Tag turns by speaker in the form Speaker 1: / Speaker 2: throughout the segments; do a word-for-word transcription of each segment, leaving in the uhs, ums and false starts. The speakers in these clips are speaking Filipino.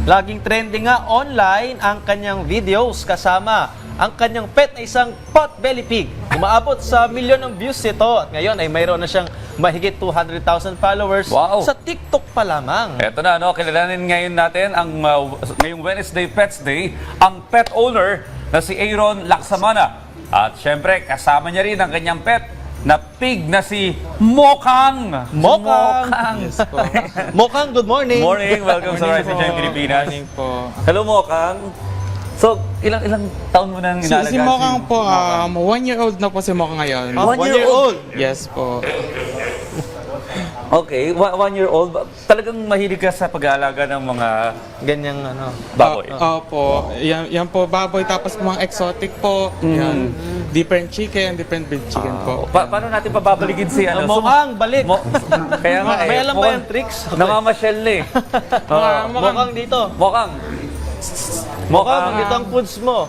Speaker 1: Laging trending nga online ang kanyang videos kasama ang kanyang pet na isang potbelly pig. Umaabot sa milyon ng views ito at ngayon ay mayroon na siyang mahigit two hundred thousand followers
Speaker 2: Wow.
Speaker 1: sa TikTok pa lamang.
Speaker 2: Eto na, no? Kilalanin ngayon natin ang uh, ngayong Wednesday Pets Day, ang pet owner na si Aaron Laksamana. At syempre, kasama niya rin ang kanyang pet na pig na si Mokang.
Speaker 1: Mokang!
Speaker 2: Mokang.
Speaker 3: Yes po.
Speaker 1: Mokang, good morning.
Speaker 2: Morning, welcome sa
Speaker 3: Morning
Speaker 2: Rise and
Speaker 3: po.
Speaker 2: Shine Pilipinas.
Speaker 3: Morning po.
Speaker 2: Hello, Mokang. So, ilang ilang taon mo nang
Speaker 3: Si,
Speaker 2: inalagaan?
Speaker 3: si Mokang po, um, one year old na po si Mokang ngayon.
Speaker 1: Ah,
Speaker 2: One
Speaker 1: one
Speaker 2: year
Speaker 1: year old.
Speaker 3: Yes po.
Speaker 2: Okay, one, one year old. Talagang mahilig ka sa pag-aalaga ng mga
Speaker 1: Ganyang ano.
Speaker 2: baboy.
Speaker 3: Ah, opo. Yan, yan po, baboy. Tapos mga exotic po. Yan. Different chicken, different breed chicken po.
Speaker 2: Pa- paano natin pababaligin si ano?
Speaker 1: Uh, Mokang, balik.
Speaker 2: Mo- Kaya nga eh.
Speaker 1: May alam ba
Speaker 2: mukhang
Speaker 1: yung tricks?
Speaker 2: Namamasyal na eh. Oo.
Speaker 3: Ah,
Speaker 1: Mokang dito.
Speaker 2: Mokang.
Speaker 1: Mokang, dito ang foods mo.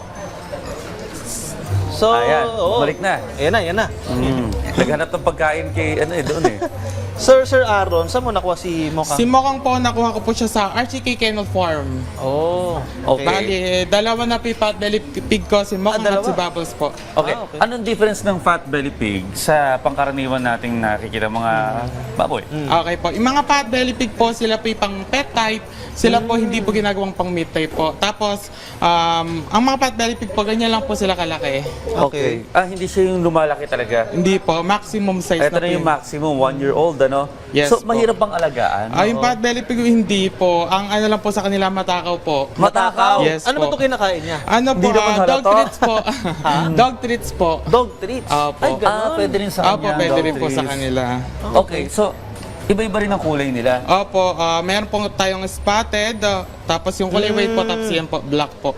Speaker 1: So,
Speaker 2: Ayan,
Speaker 1: oo.
Speaker 2: balik na.
Speaker 1: Ayan na, ayan na.
Speaker 2: Mm. Naghanap ng pagkain kay ano eh, doon eh.
Speaker 1: Sir, Sir Aaron, saan mo nakuha si Mokang?
Speaker 3: Si Mokang po, nakuha ko po siya sa R C K Kennel Farm.
Speaker 1: Oh, okay.
Speaker 3: Bali, dalawa na pipat belly pig ko, si Mokang
Speaker 1: Ah,
Speaker 3: at si
Speaker 1: dalawa.
Speaker 3: Bubbles po.
Speaker 2: Okay.
Speaker 1: Ah, okay.
Speaker 2: Anong difference ng fat belly pig sa pangkaraniwan nating nakikita mga baboy?
Speaker 3: Okay po. Yung mga pot belly pig po, sila po yung pang pet type. Sila po hindi po ginagawang pang meat type po. Tapos, um, ang mga pot belly pig po, ganyan lang po sila kalaki.
Speaker 1: Okay.
Speaker 2: Ah, hindi siya yung lumalaki talaga.
Speaker 3: Hindi po, maximum size
Speaker 2: Ito
Speaker 3: na
Speaker 2: na
Speaker 3: po
Speaker 2: yung
Speaker 3: yun.
Speaker 2: maximum, one year old, ano?
Speaker 3: Yes
Speaker 2: so,
Speaker 3: po.
Speaker 2: mahirap bang alagaan?
Speaker 3: Ah, yung pot belly pig hindi po. Ang ano lang po sa kanila, matakaw po.
Speaker 2: Matakaw?
Speaker 3: Yes
Speaker 1: Ano ba
Speaker 3: po.
Speaker 1: ito kinakain niya?
Speaker 3: Ano po,
Speaker 2: Hindi naman
Speaker 3: ah, dog
Speaker 2: halata.
Speaker 3: treats po. Dog treats po.
Speaker 1: Dog treats.
Speaker 3: Opo.
Speaker 1: Ay, ganun.
Speaker 2: Ah, pwede rin sa
Speaker 3: Opo,
Speaker 2: kanya.
Speaker 3: pwede
Speaker 2: dog
Speaker 3: rin po sa
Speaker 2: treats.
Speaker 3: kanila.
Speaker 2: Okay, so, iba-iba rin ang kulay nila.
Speaker 3: Opo, ah, meron po tayong spotted, ah, tapos yung kulay white po, tapos yan po, black po.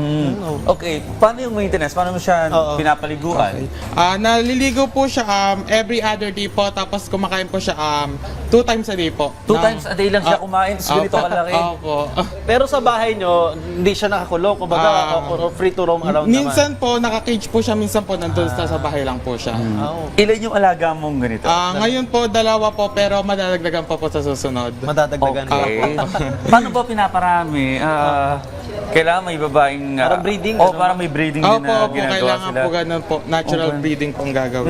Speaker 2: Mm. Okay, paano yung maintenance? Paano mo siya
Speaker 1: Oo.
Speaker 2: pinapaliguan?
Speaker 3: Ah, naliligo po siya um, every other day po, tapos kumakain po siya um, two times a day po.
Speaker 2: Two
Speaker 3: Na-
Speaker 2: times a day lang siya
Speaker 3: Ah,
Speaker 2: kumain, tapos ganito
Speaker 3: opo,
Speaker 2: kalaki.
Speaker 3: Opo.
Speaker 1: Pero sa bahay nyo, hindi siya nakakulong. Kumbaga,
Speaker 3: Ah.
Speaker 1: o- o free to roam around
Speaker 3: Minsan po, naka-cage po siya, minsan po nandun sa sa bahay lang po siya.
Speaker 1: naman. Ah, okay.
Speaker 2: Ilan yung alaga mong ganito?
Speaker 3: Ah, ngayon po, dalawa po, pero madadagdagan pa po sa susunod.
Speaker 1: Madadagdagan pa.
Speaker 2: Okay. Paano ba pinaparami? Ah, kailangan may babaeng... ah,
Speaker 1: Parang breeding,
Speaker 2: Oh,
Speaker 1: ano?
Speaker 2: parang may breeding din
Speaker 3: Opo,
Speaker 2: na
Speaker 3: opo,
Speaker 2: ginagawa
Speaker 3: kailangan
Speaker 2: sila.
Speaker 3: po ganun po. Natural
Speaker 2: Okay.
Speaker 3: breeding po ang gagawin.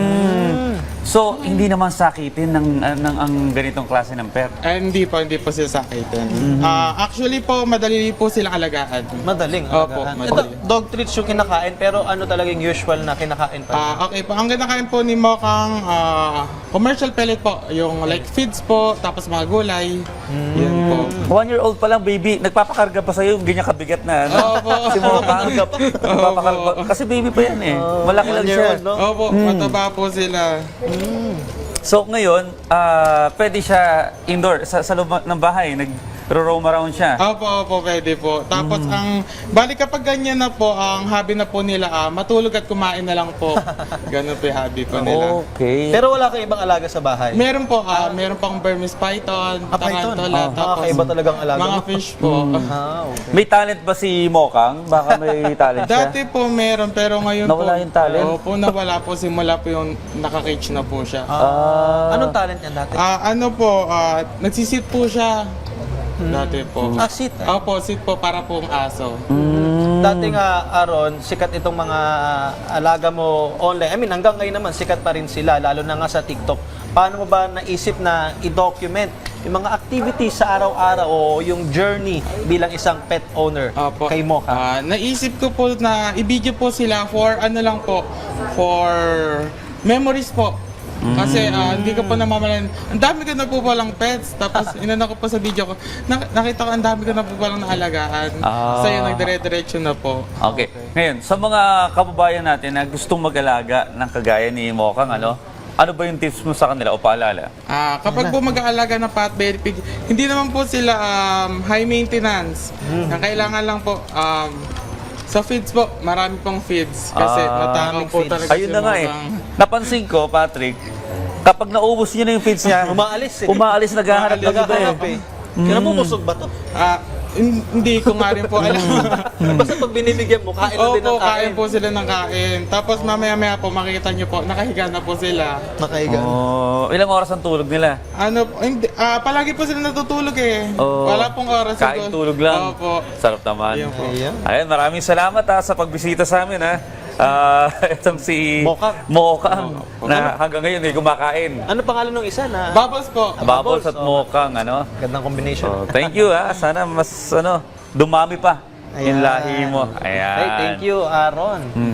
Speaker 2: Mm. So, hindi naman sakitin ng, ah, ng ang ganitong klase ng pet.
Speaker 3: Eh, hindi po, hindi po sila sakitin. Ah, actually po, madali po silang alagaan.
Speaker 1: Madaling.
Speaker 3: Opo,
Speaker 1: alagaan.
Speaker 3: madali.
Speaker 1: Ito, dog treats yung kinakain, pero ano talaga yung usual na kinakain pa?
Speaker 3: Ah, okay po. Ang kinakain po ni Mokang ah, commercial pellet po. Yung like feeds po, tapos mga gulay. Yan po.
Speaker 2: One year old pa lang, baby. Nagpapakarga pa sa'yo, ganyan kabigat na. Ano?
Speaker 3: Opo.
Speaker 2: Si Mokang. Nagpapakarga. Kasi baby pa yan eh. Malaki lang
Speaker 1: One year
Speaker 2: siya.
Speaker 1: old, no?
Speaker 3: Opo, mataba po sila.
Speaker 2: So ngayon, ah, pwede siya indoor, sa, sa loob ng bahay, nag-roam around siya.
Speaker 3: Opo, opo, pwede po. Tapos ang, balik kapag ganyan na po, ang hobby na po nila, ah, matulog at kumain na lang po. Ganun po yung hobby po nila.
Speaker 2: Okay.
Speaker 1: Pero wala kang ibang alaga sa bahay?
Speaker 3: Meron po, ah, meron pang Burmese python,
Speaker 1: Ah, python.
Speaker 3: tarantula,
Speaker 1: Ah,
Speaker 3: tapos
Speaker 1: kakaiba talagang alaga
Speaker 3: mga
Speaker 1: mo.
Speaker 3: fish po.
Speaker 1: Ah, okay.
Speaker 2: May talent ba si Mokang? Baka may talent siya.
Speaker 3: Dati po meron, pero ngayon
Speaker 2: Nawala
Speaker 3: po,
Speaker 2: yung talent?
Speaker 3: Opo, nawala po, simula po yung naka-cage na po siya.
Speaker 2: Ah.
Speaker 1: Anong talent niyan dati?
Speaker 3: Ah, ano po, ah, nagsisit po siya. Dati po.
Speaker 1: Ah, sit.
Speaker 3: Opo, sit po para pong aso.
Speaker 1: Dati nga, Aaron, sikat itong mga alaga mo online. I mean, hanggang ngayon naman, sikat pa rin sila, lalo na nga sa TikTok. Paano mo ba naisip na i-document yung mga activities sa araw-araw o yung journey bilang isang pet owner
Speaker 3: Opo.
Speaker 1: kay Mocha?
Speaker 3: Ah, naisip ko po na i-video po sila for ano lang po, for memories po. Kasi ah, hindi ko po namamalayan. Ang dami ko na po palang pets. Tapos inano ko po sa video ko. Nak- nakita ko ang dami ko na po palang naalagaan.
Speaker 2: Ah.
Speaker 3: Sa'yo nagdire-diretso na po.
Speaker 2: Okay. Ngayon, sa mga kababayan natin na gustong mag-alaga ng kagaya ni Mokang, ano, ano ba yung tips mo sa kanila o paalala?
Speaker 3: Ah, kapag po mag-aalaga ng pot belly pig, hindi naman po sila um, high maintenance. Ang kailangan lang po um, sa feeds po, marami pong feeds kasi
Speaker 2: Ah,
Speaker 3: matakaw po
Speaker 1: feeds.
Speaker 3: talaga
Speaker 2: Ayun
Speaker 3: si
Speaker 2: na nga eh.
Speaker 3: Mokang.
Speaker 2: Napansin ko, Patrick, kapag naubos niya na yung feeds niya,
Speaker 1: Umaalis eh.
Speaker 2: umaalis, naghahanap ng iba eh.
Speaker 1: Naghahanap eh. Kaya nabubusog ba to?
Speaker 3: Ah, hin- hindi ko nga rin po alam.
Speaker 1: Basta pag binibigyan mo, kain na din
Speaker 3: Opo,
Speaker 1: ng kain.
Speaker 3: kain po sila ng kain. Tapos mamaya-maya po, makikita nyo po, nakahiga na po sila.
Speaker 1: Nakahiga.
Speaker 2: Oh, ilang oras ang tulog nila?
Speaker 3: Ano, hindi, ah, palagi po sila natutulog eh.
Speaker 2: Oh,
Speaker 3: Wala pong oras.
Speaker 2: kain
Speaker 3: doon.
Speaker 2: tulog lang.
Speaker 3: Opo.
Speaker 2: Sarap naman.
Speaker 3: Ayun po.
Speaker 1: Ayan.
Speaker 2: Ayan, maraming salamat ha, sa pagbisita sa amin ha. Ah, itong si
Speaker 1: Mokang.
Speaker 2: Mokang na hanggang ngayon ay kumakain.
Speaker 1: Ano pangalan ng isa na?
Speaker 3: Bubbles po.
Speaker 2: Bubbles at
Speaker 1: oh.
Speaker 2: Mokang, ano?
Speaker 1: Gandang combination.
Speaker 2: So, thank you ha. Sana mas ano, dumami pa yung
Speaker 1: Ayan.
Speaker 2: lahi mo. Ayan.
Speaker 1: Hey, thank you, Aaron.